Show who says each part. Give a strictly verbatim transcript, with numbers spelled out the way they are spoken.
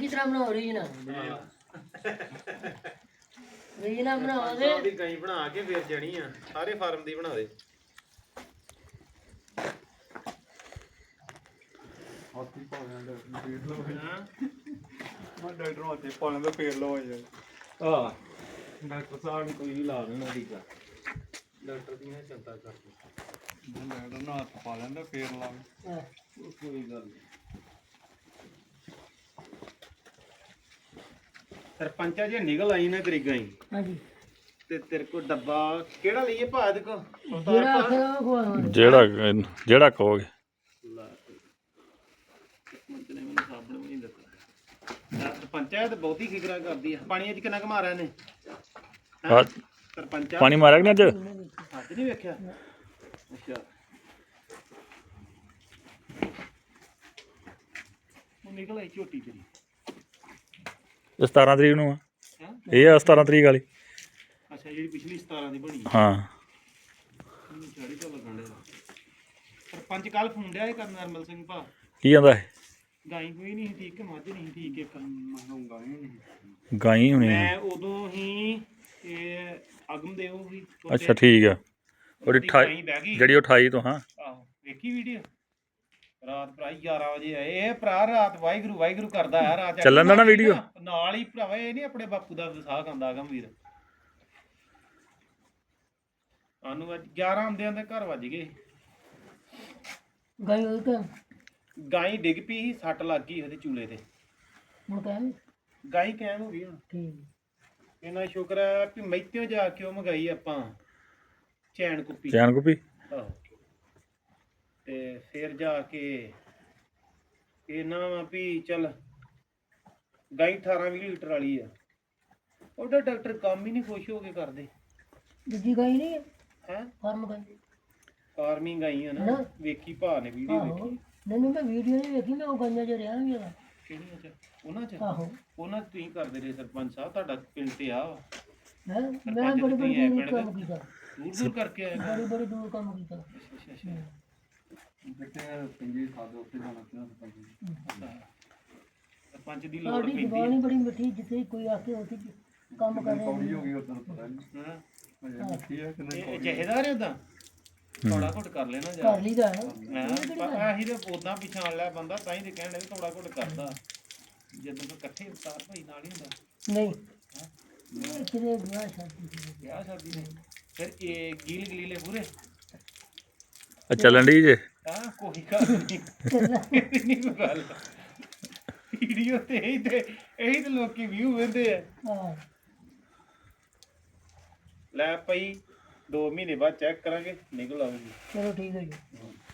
Speaker 1: ਚੰਗੀ ਤਰ੍ਹਾਂ ਬਣਾਓ ਰੀਜਨਾ ਰੀਜਨਾ ਬਣਾਓ ਤੇ
Speaker 2: ਦੀ ਗਾਈ ਬਣਾ ਕੇ ਫੇਰ ਜਣੀ ਆ ਸਾਰੇ ਫਾਰਮ ਦੀ ਬਣਾ ਦੇ
Speaker 3: ਹਾਥੀ ਪਾ ਲੈਂਦਾ ਫੇਰ ਲੋ ਮੈਂ ਡਾਕਟਰ ਹਾਥੀ ਪਾ ਲੈਂਦਾ ਫੇਰ ਲੋ ਯਾਰ
Speaker 2: ਆ ਡਾਕਟਰ ਸਾਹਿਬ ਨੇ ਕੋਈ ਵੀ ਲਾ ਦੇਣਾ ਟੀਕਾ ਡਾਕਟਰ ਦੀ ਨਾ ਚਿੰਤਾ ਕਰਦੀ
Speaker 3: ਡਾਕਟਰ ਨਾਲ ਹੱਥ ਪਾ ਲੈਂਦਾ ਫੇਰ ਲਾ
Speaker 2: ਕੋਈ ਗੱਲ ਨਹੀਂ ਸਰਪੰਚਾ ਜੇ ਨਿਕਲ ਆਈ ਨਾ ਤੇਰੀ ਗਾਈ
Speaker 1: ਹਾਂਜੀ
Speaker 2: ਤੇ ਤੇਰੇ ਕੋਲ ਡੱਬਾ ਕਿਹੜਾ ਲਈਏ ਭਾ ਇਹਦੇ ਕੋ
Speaker 1: ਜਿਹੜਾ ਆਖਿਆ ਉਹ ਖਵਾਉਣਾ
Speaker 4: ਜਿਹੜਾ ਜਿਹੜਾ ਕਹੋਗੇ
Speaker 2: ਸਰਪੰਚ ਨੇ ਮੈਨੂੰ ਸਾਬਣ ਵੀ ਨਹੀਂ ਦਿੱਤਾ ਸਰਪੰਚਾ ਤੇ ਬਹੁਤੀ ਫਿਕਰਾਂ ਕਰਦੀ ਆ ਪਾਣੀ ਅੱਜ ਕਿੰਨਾ ਕੁ ਮਾਰਿਆ ਨੇ
Speaker 4: ਹਾਂ
Speaker 2: ਸਰਪੰਚਾ
Speaker 4: ਪਾਣੀ ਮਾਰਿਆ ਕਿ ਨਹੀਂ ਅੱਜ
Speaker 2: ਅੱਜ ਨਹੀਂ ਵੇਖਿਆ ਅੱਛਾ ਉਹ ਨਿਕਲ ਆਈ ਝੋਟੀ ਤੇਰੀ
Speaker 4: ਸਤਾਰਾਂ ਤਰੀਕ ਨੂੰ ਆ
Speaker 2: ਹੈਂ
Speaker 4: ਇਹ ਆ ਸਤਾਰਾਂ ਤਰੀਕ ਵਾਲੀ
Speaker 2: ਅੱਛਾ ਜਿਹੜੀ ਪਿਛਲੀ ਸਤਾਰਾਂ ਦੀ ਬਣੀ
Speaker 4: ਹਾਂ
Speaker 2: ਚੜੀ ਤੋਂ ਲੱਗਣ ਦੇ ਸਰਪੰਚ ਕੱਲ ਫੋਨ ਡਿਆ ਇਹ ਕਰਨ ਨਰਮਲ ਸਿੰਘ ਭਾ
Speaker 4: ਕੀ ਕਹਿੰਦਾ ਇਹ
Speaker 2: ਗਾਈ ਕੋਈ ਨਹੀਂ ਠੀਕ ਕਿ ਮੱਝ ਨਹੀਂ ਠੀਕ ਇੱਕ
Speaker 3: ਮੰਗਾਉਂਗਾ ਨਹੀਂ
Speaker 4: ਗਾਈ ਹੋਣੀ ਆ।
Speaker 2: ਮੈਂ ਉਦੋਂ ਹੀ ਇਹ ਅਗਮ ਦੇਵ ਵੀ
Speaker 4: ਅੱਛਾ ਠੀਕ ਆ ਉਹਦੀ
Speaker 2: ਗਾਈ
Speaker 4: ਅਠਾਈ
Speaker 2: ਬਹਿ ਗਈ
Speaker 4: ਜਿਹੜੀ ਅਠਾਈ ਤੋਂ ਹਾਂ
Speaker 2: ਆਹੋ ਵੇਖੀ ਵੀਡੀਓ ਰਾਤ ਭਰਾ ਗਿਆਰਾਂ ਵਜੇ ਆਏ ਇਹ ਭਰਾ ਰਾਤ ਵਾਹਿਗੁਰੂ ਵਾਹਿਗੁਰੂ ਕਰਦਾ ਆ ਰਾਤ
Speaker 4: ਚੱਲਣ ਦਾ ਨਾ ਵੀਡੀਓ?
Speaker 2: ਨਾਲ ਹੀ ਭਰਾਵਾ ਇਹ ਨਹੀਂ ਆਪਣੇ ਬਾਪੂ ਦਾ ਵਿਸਾਹ ਖਾਂਦਾ ਅਗਮ ਵੀਰ ਸਾਨੂੰ ਅੱਜ ਗਿਆਰਾਂ ਆਉਂਦਿਆਂ ਦੇ ਘਰ ਵੱਜ ਗਏ
Speaker 1: ਗਈ ਉਹ ਤਾਂ
Speaker 2: ਗਾਈ ਡਿੱਗ ਪਈ ਸੀ ਸੱਟ ਲੱਗ ਗਈ ਉਹਦੇ ਚੂਲੇ ਤੇ
Speaker 1: ਹੁਣ ਕਹਿੰਦੇ
Speaker 2: ਗਾਈ ਕਾਇਮ ਹੋ ਗਈ ਹੁਣ
Speaker 1: ਠੀਕ
Speaker 2: ਇਹਨਾਂ ਸ਼ੁਕਰ ਹੈ ਕਿ ਮੈਥੋਂ ਜਾ ਕੇ ਉਹ ਮੰਗਾਈ ਆਪਾਂ ਚੈਨ ਕੁੱਪੀ
Speaker 4: ਚੈਨ ਕੁੱਪੀ
Speaker 2: ਆਹੋ ਤੇ ਫਿਰ ਜਾ ਕੇ ਇਹਨਾਂ ਵਾ ਵੀ ਚੱਲ ਗਾਈ ਅਠਾਰਾਂ ਵੀਹ ਲੀਟਰ ਵਾਲੀ ਆ ਉਹਦਾ ਡਾਕਟਰ ਕੰਮ ਹੀ ਨਹੀਂ ਖੁਸ਼ ਹੋ ਕੇ ਕਰਦੇ
Speaker 1: ਦੂਜੀ ਗਈ ਨਹੀਂ
Speaker 2: ਹੈ
Speaker 1: ਫਾਰਮ ਗਈ
Speaker 2: ਫਾਰਮਿੰਗ ਗਾਈ ਆ ਨਾ
Speaker 1: ਨਾ।
Speaker 2: ਵੇਖੀ ਭਾ ਨੇ ਵੀਡੀਓ
Speaker 1: ਆਹੋ
Speaker 2: ਵੇਖੀ
Speaker 1: ਨਹੀਂ ਮੈਂ ਵੀਡੀਓ ਨਹੀਂ ਵੇਖੀ ਮੈਂ ਉਹ ਗੰਜਾ ਚ ਰਿਹਾ ਵੀ ਹੈਗਾ
Speaker 2: ਕਿਹੜੀਆਂ ਚ ਉਹਨਾਂ ਚ
Speaker 1: ਆਹੋ
Speaker 2: ਉਹਨਾਂ ਚ ਤੁਸੀਂ ਕਰਦੇ ਰਹੇ ਸਰਪੰਚ ਸਾਹਿਬ ਤੁਹਾਡਾ ਪਿੰਡ ਤੇ ਆ ਵਾ।
Speaker 1: ਹੈ ਮੈਂ ਬੜੀ ਬੜੀ ਦੂਰ ਕੰਮ ਕੀਤਾ
Speaker 2: ਦੂਰ ਦੂਰ ਕਰਕੇ ਆਏਗਾ
Speaker 1: ਬੜੀ ਬੜੀ ਦੂਰ ਕੰਮ ਕੀਤਾ
Speaker 2: ਅੱਛਾ ਅੱਛਾ
Speaker 3: ਕਿਤੇ ਪਿੰਜੀ ਖਾਦੇ ਉੱਤੇ ਜਾਣਾ ਕਿਉਂ ਸਰਪੰਚ
Speaker 2: ਸਰਪੰਚ ਦੀ ਲੋੜ
Speaker 1: ਸਾਡੀ
Speaker 2: ਪੈਂਦੀ
Speaker 1: ਜ਼ਬਾਨ ਹੀ ਬੜੀ ਮਿੱਠੀ ਜਿੱਥੇ ਕੋਈ ਆ ਕੇ ਉੱਥੇ ਕੰਮ ਕਰ
Speaker 3: ਕੌੜੀ
Speaker 1: ਰਿਹਾ
Speaker 3: ਹੋ ਗਈ ਉਦੋਂ ਪਤਾ ਨਹੀਂ
Speaker 2: ਹਾਂ
Speaker 3: ਅਜੇ ਮਿੱਠੀ ਹੈ ਕਿ ਨਹੀਂ
Speaker 2: ਇਹ ਜਹੇਦਾਰ ਹੈ ਉਦਾਂ ਥੋੜਾ ਘੁੱਟ ਕਰ ਲੈਣਾ ਜਾ
Speaker 1: ਕਰ ਲਈਦਾ ਹੈ
Speaker 2: ਹਾਂ ਆਹੀ ਤੇ ਉਦਾਂ ਪਛਾਣ ਲਿਆ ਬੰਦਾ ਤਾਂ ਹੀ ਤੇ ਕਹਿਣ ਦੇ ਥੋੜਾ ਘੁੱਟ ਕਰਦਾ ਜਦੋਂ ਤੋਂ ਇਕੱਠੇ ਉਤਾਰ ਭਾਈ ਨਾਲ ਹੀ ਹੁੰਦਾ
Speaker 1: ਨਹੀਂ ਇਹ ਕਿਤੇ ਵਿਆਹ ਸ਼ਾਦੀ ਸੀ।
Speaker 2: ਵਿਆਹ ਸ਼ਾਦੀ ਨੇ ਫਿਰ ਇਹ ਗੀਲ ਗਲੀਲੇ ਪੂਰੇ
Speaker 4: ਆ ਚੱਲਣ ਦੀ ਜੇ
Speaker 2: ਹਾਂ ਕੋਈ ਗੱਲ ਨਹੀਂ ਇਹ ਨਹੀਂ ਕੋਈ ਗੱਲ ਵੀਡੀਓ ਤੇ ਇਹੀ ਤੇ ਇਹੀ ਤੇ ਲੋਕੀ ਵਿਊ ਵੇਂਦੇ ਆ
Speaker 1: ਹਾਂ
Speaker 2: ਲੈ ਪਈ ਦੋ ਮਹੀਨੇ ਬਾਅਦ ਚੈੱਕ ਕਰਾਂਗੇ ਨਿਕਲ ਆਊਗੀ
Speaker 1: ਚਲੋ ਠੀਕ ਹੈ ਜੀ